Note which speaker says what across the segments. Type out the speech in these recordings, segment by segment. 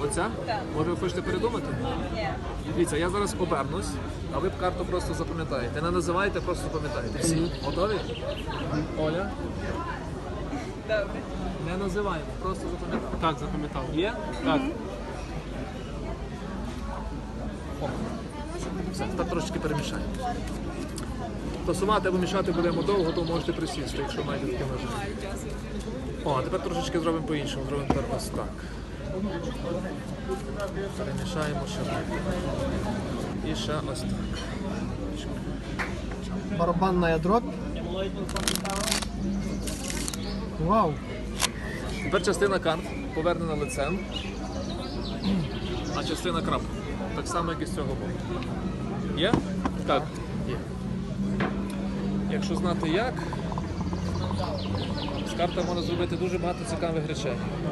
Speaker 1: Оця?
Speaker 2: Так.
Speaker 1: Може ви хочете передумати?
Speaker 2: Ні.
Speaker 1: Дивіться, я зараз обернусь, а ви карту просто запам'ятаєте. Не називайте, просто запам'ятаєте. Всі. Готові? Оля?
Speaker 2: Добре.
Speaker 1: Не називаємо, просто запам'ятаємо.
Speaker 3: Так, запам'ятав.
Speaker 1: Є?
Speaker 3: Так.
Speaker 1: О. Все, тепер трошечки перемішаємо. Тасувати або мішати будемо довго, то можете присісти, якщо маєте таке ножі.
Speaker 2: Маю часу.
Speaker 1: О, а тепер трошечки зробимо по-іншому. Зробимо тепер ось так. Перемішаємо ще. І ще ось так.
Speaker 4: Барабанная дробь. Вау.
Speaker 1: Тепер частина карт повернена лицем, а частина крап. Так само, як і з цього боку. Є? Так. Є. Якщо знати як, з карта можна зробити дуже багато цікавих речей.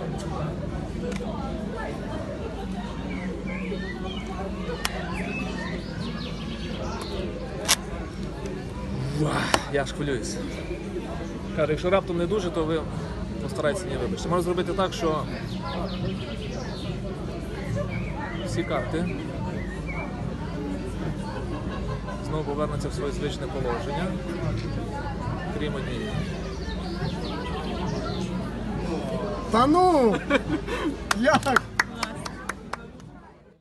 Speaker 1: Я аж хвилююся. Каже, якщо раптом не дуже, то ви постарайтеся мені вибачити. Можна зробити так, що всі карти знову повернуться в своє звичне положення, крім однієї.
Speaker 4: Та ну! Як?